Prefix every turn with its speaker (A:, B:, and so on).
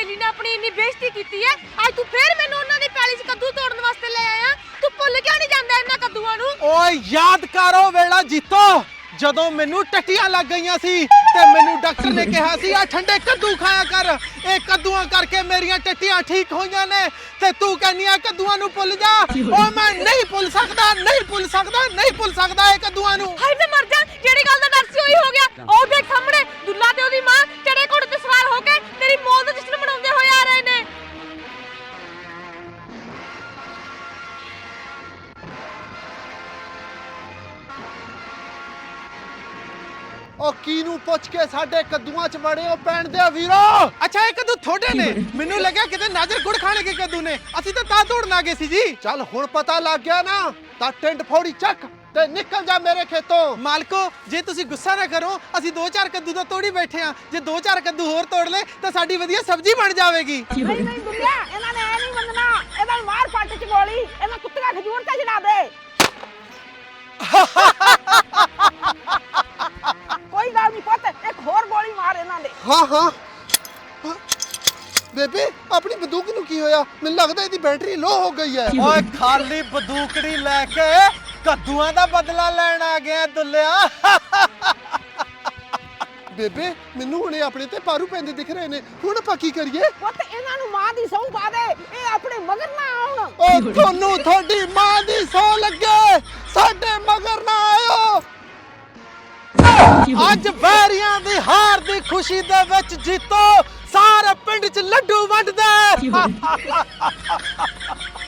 A: ਸਹੇਲੀ ਨੇ ਆਪਣੀ ਇੰਨੀ ਬੇਇੱਜ਼ਤੀ ਕੀਤੀ ਹੈ, ਅੱਜ ਤੂੰ ਫੇਰ ਮੈਨੂੰ ਉਹਨਾਂ ਦੀ ਪੈਲੀ 'ਚ ਕੱਦੂ ਤੋੜਨ ਵਾਸਤੇ ਲੈ ਆਇਆ। ਤੂੰ ਭੁੱਲ ਕਿਉਂ ਨਹੀਂ ਜਾਂਦਾ ਇਹਨਾਂ ਕੱਦੂਆਂ ਨੂੰ?
B: ਓਏ ਯਾਦ ਕਰੋ ਵੇਲਾ ਜੀਤੋ, ਜਦੋਂ ਮੈਨੂੰ ਟੱਟੀਆਂ ਲੱਗ ਗਈਆਂ ਸੀ ਤੇ ਮੈਨੂੰ ਡਾਕਟਰ ਨੇ ਕਿਹਾ ਸੀ ਆ ਠੰਡੇ ਕੱਦੂ ਖਾਇਆ ਕਰ, ਇਹ ਕੱਦੂਆਂ ਕਰਕੇ ਮੇਰੀਆਂ ਟੱਟੀਆਂ ਠੀਕ ਹੋਈਆਂ ਨੇ, ਤੇ ਤੂੰ ਕਹਿੰਦੀ ਆ ਕੱਦੂਆਂ ਨੂੰ ਭੁੱਲ ਜਾ। ਓ ਮੈਂ ਨਹੀਂ ਭੁੱਲ ਸਕਦਾ, ਨਹੀਂ ਭੁੱਲ ਸਕਦਾ, ਨਹੀਂ ਭੁੱਲ ਸਕਦਾ ਇਹ ਕੱਦੂਆਂ ਨੂੰ।
A: ਹਾਏ ਮੈਂ ਮਰ ਜਾ, ਜਿਹੜੀ ਗੱਲ ਦਾ ਡਰ ਸੀ ਉਹੀ ਹੋ ਗਿਆ। ਉਹ ਦੇਖ ਸਾਹਮਣੇ ਦੁੱਲਾ ਤੇ ਉਹਦੀ ਮਾਂ ਚੜੇ ਘੋੜੇ ਤੇ ਸਵਾਰ ਹੋ ਕੇ ਤੇਰੀ ਮੌਤ ਦਾ ਜਸ਼ਨ ਮਨਾਉਂਦੇ ਹੋਏ ਆ ਰਹੇ ਨੇ।
B: ਉਹ ਕਿਨੂੰ ਪੁੱਛ ਕੇ ਸਾਡੇ ਕੱਦੂਆਂ 'ਚ ਵੜੇ ਹੋ ਪੈਣ ਦੇ ਵੀਰੋ? ਅੱਛਾ ਇਹ ਕੱਦੂ ਥੋੜੇ ਨੇ, ਮੈਨੂੰ ਲੱਗਿਆ ਕਿਤੇ ਨਾਜ਼ਰ ਗੁੜ ਖਾਣੇ ਕੇ ਕੱਦੂ ਨੇ, ਅਸੀਂ ਤਾਂ ਦੌੜਨ ਆ ਗਏ ਸੀ ਜੀ। ਚੱਲ ਹੁਣ ਪਤਾ ਲੱਗ ਗਿਆ ਨਾ, ਤਾਂ ਟਿੰਡ ਫੋੜੀ ਚੱਕ ਤੇ ਨਿਕਲ ਜਾ ਮੇਰੇ ਖੇਤੋਂ। ਮਾਲਕੋ ਜੇ ਤੁਸੀਂ ਗੁੱਸਾ ਨਾ ਕਰੋ, ਅਸੀਂ 2-4 ਕੱਦੂ ਤਾਂ ਤੋੜੀ ਬੈਠੇ ਆ, ਜੇ 2-4 ਕੱਦੂ ਹੋਰ ਤੋੜ ਲੈ ਤਾਂ ਸਾਡੀ ਵਧੀਆ ਸਬਜ਼ੀ ਬਣ ਜਾਵੇਗੀ।
C: ਨਹੀਂ ਨਹੀਂ ਦੁਨੀਆ, ਇਹਨਾਂ ਨੇ ਐ ਨਹੀਂ ਮੰਨਣਾ, ਇਹਨਾਂ ਨੂੰ ਮਾਰ ਪੱਟ 'ਚ ਗੋਲੀ, ਇਹਨਾਂ ਕੁੱਤਿਆਂ ਖਜੂਰ ਤੇ ਚੜਾ ਦੇ। ਕੋਈ ਗੱਲ ਨਹੀਂ ਪੁੱਤ, ਇੱਕ ਹੋਰ ਗੋਲੀ ਮਾਰ ਇਹਨਾਂ ਦੇ।
B: ਹਾਂ ਹਾਂ ਬੇਬੇ, ਆਪਣੀ ਬੰਦੂਕ ਨੂੰ ਕੀ ਹੋਇਆ? ਮੈਨੂੰ ਲੱਗਦਾ ਇਹਦੀ ਬੈਟਰੀ ਲੋ ਹੋ ਗਈ ਹੈ। ਓਏ ਖਾਲੀ ਬੰਦੂਕੜੀ ਲੈ ਕੇ ਕੱਦੂਆਂ ਦਾ ਬਦਲਾ ਲੈਣ ਆ ਗਿਆ ਦੁੱਲਿਆ। ਬੇਬੇ ਮੈਨੂੰ ਹੁਣੇ ਆਪਣੇ ਤੇ ਪਾਰੂ ਪੈਂਦੇ ਦਿਖ ਰਹੇ ਨੇ, ਹੁਣ ਆਪਾਂ ਕੀ ਕਰੀਏ?
C: ਪੁੱਤ ਇਹਨਾਂ ਨੂੰ ਮਾਂ ਦੀ ਸਹੁੰ ਪਾ ਦੇ, ਇਹ ਆਪਣੇ ਮਗਰ ਨਾ ਆਉਣ।
B: ਓ ਤੁਹਾਨੂੰ ਤੁਹਾਡੀ ਮਾਂ ਦੀ ਸਹੁੰ ਲੱਗੇ, ਸਾਡੇ ਮਗਰ ਨਾ ਆਇਓ। ਅੱਜ ਵੈਰੀਆਂ ਦੀ ਹਾਰ ਦੀ ਖੁਸ਼ੀ ਦੇ ਵਿੱਚ ਜੀਤੋ ਸਾਰੇ ਪਿੰਡ 'ਚ ਲੱਡੂ ਵੰਡਦੇ।